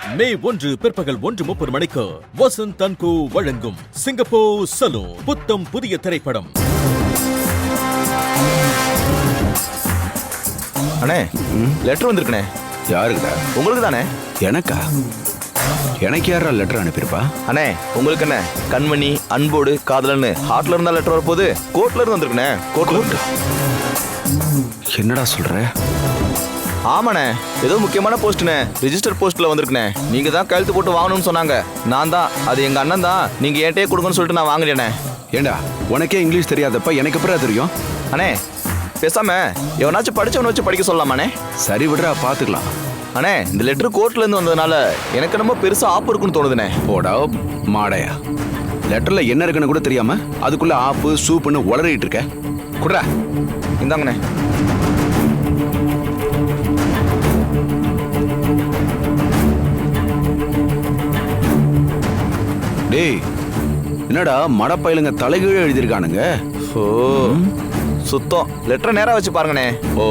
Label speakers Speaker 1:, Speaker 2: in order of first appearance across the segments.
Speaker 1: மே 1 பிற்பகல் 1:30 மணிக்கு வசந்த் தன்கு வழங்கும் சிங்கப்பூர் சலூன் புத்தம் புதிய திரைப்படம்.
Speaker 2: அண்ணே, லெட்டர் வந்திருக்குண்ணே.
Speaker 3: யாருக்குடா?
Speaker 2: உங்களுக்கு தானே?
Speaker 3: எனக்கா? எனக்கு யாரா லெட்டர் அனுப்பியிருப்பா?
Speaker 2: அண்ணே, உங்களுக்கு என்ன கண்மணி அன்போடு காதலன்னு ஹார்ட்ல இருந்தா லெட்டர் வரப்போது கோர்ட்ல இருந்து வந்திருக்குண்ணே. கோர்ட்ல
Speaker 3: என்னடா சொல்ற?
Speaker 2: ஆமாண்ணே, ஏதோ முக்கியமான போஸ்ட்ண்ணே, ரிஜிஸ்டர் போஸ்ட்ல வந்திருக்குண்ணே. நீங்க தான் கையெழுத்து போட்டு வாங்கணும்னு சொன்னாங்க. நான் தான், அது எங்க அண்ணன் தான், நீங்க ஏன்ட்டே கொடுங்கன்னு சொல்லிட்டு நான் வாங்கினேண்ணே.
Speaker 3: ஏண்டா, உனக்கே இங்கிலீஷ் தெரியாதப்ப எனக்கு எப்படா தெரியும்?
Speaker 2: அண்ணே, பேசாம எவனாச்சும் படிச்சவனை வச்சு படிக்க சொல்லலாமாண்ணே?
Speaker 3: சரி விடுறா, பாத்துக்கலாம்.
Speaker 2: அண்ணே, இந்த லெட்டர் கோர்ட்ல இருந்து வந்ததுனால எனக்கு ரொம்ப பெருசா ஆப்பு இருக்குன்னு தோணுதுண்ணே.
Speaker 3: போடா மாடையா, லெட்டர்ல என்ன இருக்குன்னு கூட தெரியாம அதுக்குள்ள ஆப்பு சூப்புன்னு உளறிட்டு இருக்க. குடுறா.
Speaker 2: இந்தாங்கண்ணே.
Speaker 3: டேய், என்னடா மடப்பயிலுங்க தலைகீழ எழுதியிருக்கானுங்க.
Speaker 2: ஓ, சுத்தம். லெட்டரை நேரா வச்சு பாருங்கண்ணே.
Speaker 3: ஓ,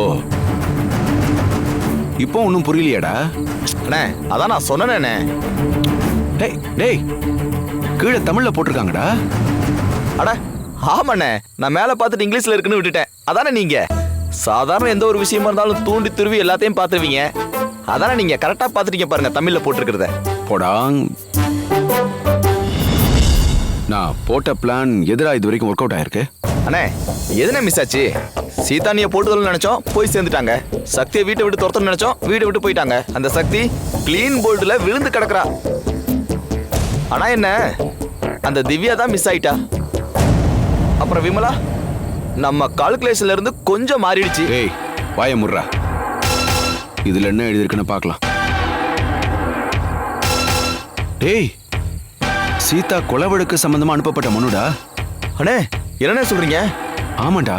Speaker 3: இப்போ ஒன்றும் புரியலையாடா?
Speaker 2: அண்ணே, அதான் நான் சொன்னேனே.
Speaker 3: டேய் டேய், கீழே தமிழ்ல போட்டிருக்காங்கடா.
Speaker 2: அட ஆமாண்ணே, நான் மேலே பார்த்துட்டு இங்கிலீஷ்ல இருக்குன்னு விட்டுட்டேன். அதானே நீங்க சாதாரண எந்த ஒரு விஷயமா இருந்தாலும் தூண்டி துருவி எல்லாத்தையும் பார்த்துருவீங்க. அதானே நீங்க கரெக்டா பார்த்துட்டீங்க பாருங்க தமிழ்ல போட்டிருக்கிறத.
Speaker 3: போடாங், நான் போட்ட பிளான் எதிரா இது வரைக்கும் ஒர்க் அவுட் ஆயிருக்கு.
Speaker 2: அண்ணே, எதுனே மிஸ் ஆச்சு? சீதானியை போட்டுதல் நினைச்சோம், போய் சேர்ந்துட்டாங்க. சக்தியை வீட்டை விட்டு துரத்தணும்னு நினைச்சோம், வீட்டை விட்டு போயிட்டாங்க. அந்த சக்தி கிளீன் போல்டுல விழுந்து கிடக்குறா. ஆனா என்ன, அந்த திவ்யா தான் மிஸ் ஆயிட்டா. அப்புறம் விமலா நம்ம கால்குலேஷன்ல இருந்து கொஞ்சம் மாறிடுச்சு.
Speaker 3: ஏய், வாய முர்றா. இதுல என்ன எழுதிருக்குன்னு பார்க்கலாம். டேய், சீதா கொலை வழக்கு சம்பந்தமா அனுப்பப்பட்ட மனுடா.
Speaker 2: அண்ணே, என்னண்ணே சொல்றீங்க?
Speaker 3: ஆமாண்டா.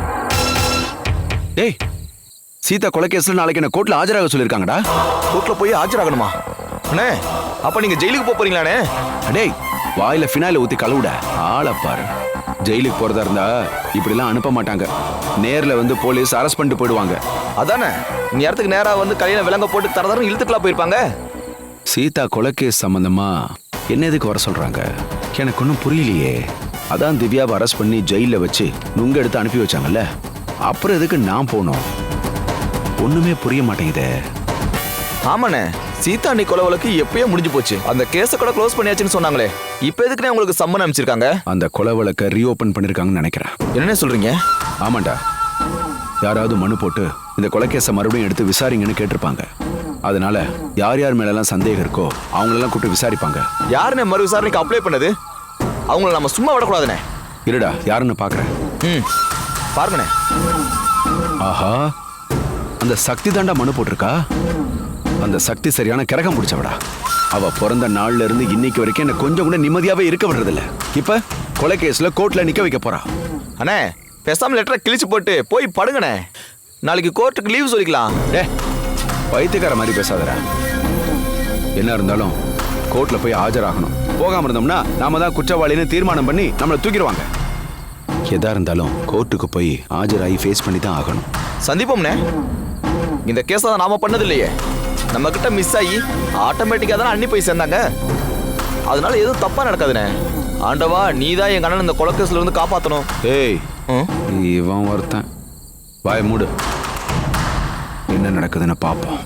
Speaker 3: டேய், சீதா கொலை கேஸ்ல நாளைக்கு என்ன கோர்ட்ல ஆஜராக சொல்லிருக்காங்கடா.
Speaker 2: கோர்ட்ல போய் ஆஜராகணுமா? அண்ணே, அப்ப நீங்க ஜெயிலுக்கு போறீங்களாண்ணே?
Speaker 3: டேய், வாயில ஃபினாயில ஊத்தி கழுவுட. ஆளை பாரு. ஜெயிலுக்கு போறதா இருந்தா இப்படிலாம் அனுப்ப மாட்டாங்க. நேர்ல வந்து போலீஸ் அரெஸ்ட் பண்ணிட்டு போயிடுவாங்க.
Speaker 2: அதானே, இந்த இடத்துக்கு நேரா வந்து கையில விலங்க போட்டு தரதரம் இழுத்துக்கலாம் போயிருப்பாங்க.
Speaker 3: சீதா கொலை கேஸ் சம்பந்தமா என்ன எதுக்கு வர சொல்றாங்க? எனக்கு ஒன்றும் புரியலையே. அதான் திவ்யாவை அரெஸ்ட் பண்ணி ஜெயில வச்சு நுங்க எடுத்து அனுப்பி வச்சாங்கல்ல, அப்புறம் எதுக்கு நான் போனோம்? ஒண்ணுமே புரிய மாட்டேங்குதே.
Speaker 2: ஆமாண்ணே, சீதா நீ கொலை வழக்கு எப்பயோ முடிஞ்சு போச்சு. அந்த கேஸை கூட க்ளோஸ் பண்ணியாச்சுன்னு சொன்னாங்களே, இப்போ எதுக்குண்ணே உங்களுக்கு சம்மன் அனுப்பிச்சிருக்காங்க?
Speaker 3: அந்த கொலை வழக்கை ரீஓபன் பண்ணிருக்காங்கன்னு நினைக்கிறேன்.
Speaker 2: என்னண்ணே சொல்றீங்க?
Speaker 3: ஆமாண்டா, யாராவது மனு போட்டு இந்த கொலை கேஸை மறுபடியும் எடுத்து விசாரிங்கன்னு கேட்டிருப்பாங்க. அதனால யார் யார் மேலெல்லாம் சந்தேகம் இருக்கோ அவங்களெல்லாம் கூப்பிட்டு விசாரிப்பாங்க.
Speaker 2: யாருண்ணே மறு விசாரணைக்கு அப்ளை பண்ணது? அவங்கள நம்ம சும்மா விடக்கூடாதுண்ணே.
Speaker 3: இருடா, யாருன்னு பாக்குறேன்.
Speaker 2: பாருங்கண்ணே.
Speaker 3: ஆஹா, அந்த சக்தி தாண்டா மனு போட்டிருக்கா. அந்த சக்தி சரியான கிரகம் முடிச்சவடா. அவ பிறந்த நாள்ல இருந்து இன்னைக்கு வரைக்கும் என்ன கொஞ்சம் கூட நிம்மதியாவே இருக்க விடுறதில்ல. இப்ப கொலை கேஸ்ல கோர்ட்ல நிக்க வைக்க போறா.
Speaker 2: அண்ணே, பேசாம லெட்டரை கிழிச்சு போட்டு போய் படுங்கண்ணே. நாளைக்கு கோர்ட்டுக்கு லீவ் சொல்லிக்கலாம்.
Speaker 3: பைத்தியக்கார மாதிரி பேசாதடா. என்ன இருந்தாலும் கோர்ட்ல போய் ஆஜராகணும். போகாம இருந்தோம்னா நாம தான் குற்றவாளின்னு தீர்மானம் பண்ணி நம்மளை தூக்கிடுவாங்க. எதா இருந்தாலும் கோர்ட்டுக்கு போய் ஆஜராகி ஃபேஸ் பண்ணி தான் ஆகணும்.
Speaker 2: சந்திப்போம்ண்ணே. இந்த கேஸை தான் நாம பண்ணது இல்லையே. நம்ம கிட்ட மிஸ் ஆகி ஆட்டோமேட்டிக்கா தானே அண்ணி போய் சேர்ந்தாங்க. அதனால எதுவும் தப்பா நடக்காதுண்ணே. ஆண்டவா, நீ தான் எங்க அண்ணன் இந்த கொலை கேஸ்ல இருந்து காப்பாற்றணும்.
Speaker 3: ஏய், இவன் ஒருத்தன். வாய மூடு. என்ன நடக்குதுன்னு பார்ப்போம்.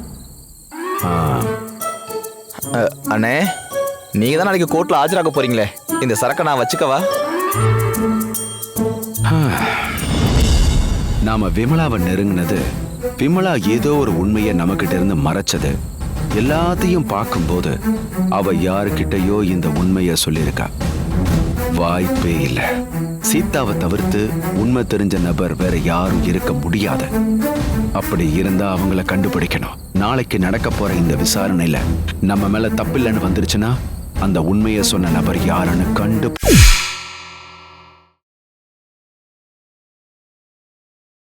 Speaker 2: அண்ணே, நீங்க தான் நாளைக்கு கோர்ட்ல ஆஜராக போறீங்களே, இந்த சரக்கை நான் வச்சுக்கவா?
Speaker 3: நாம விமலாவை நெருங்கினது, விமலா ஏதோ ஒரு உண்மையை நமக்கிட்ட இருந்து மறைச்சது. எல்லாத்தையும் பார்க்கும்போது அவ யாருக்கிட்டையோ இந்த உண்மைய சொல்லியிருக்கா. வாய்ப்பே இல்லை. சீதாவை தவிர்த்து உண்மை தெரிஞ்ச நபர் வேற யாரும் இருக்க முடியாது. அப்படி இருந்தா அவங்கள கண்டுபிடிக்கணும். நாளைக்கு நடக்க போற இந்த விசாரணையில நம்ம மேல தப்பில்லைன்னு வந்துருச்சுன்னா அந்த உண்மையை சொன்ன நபர் யாருன்னு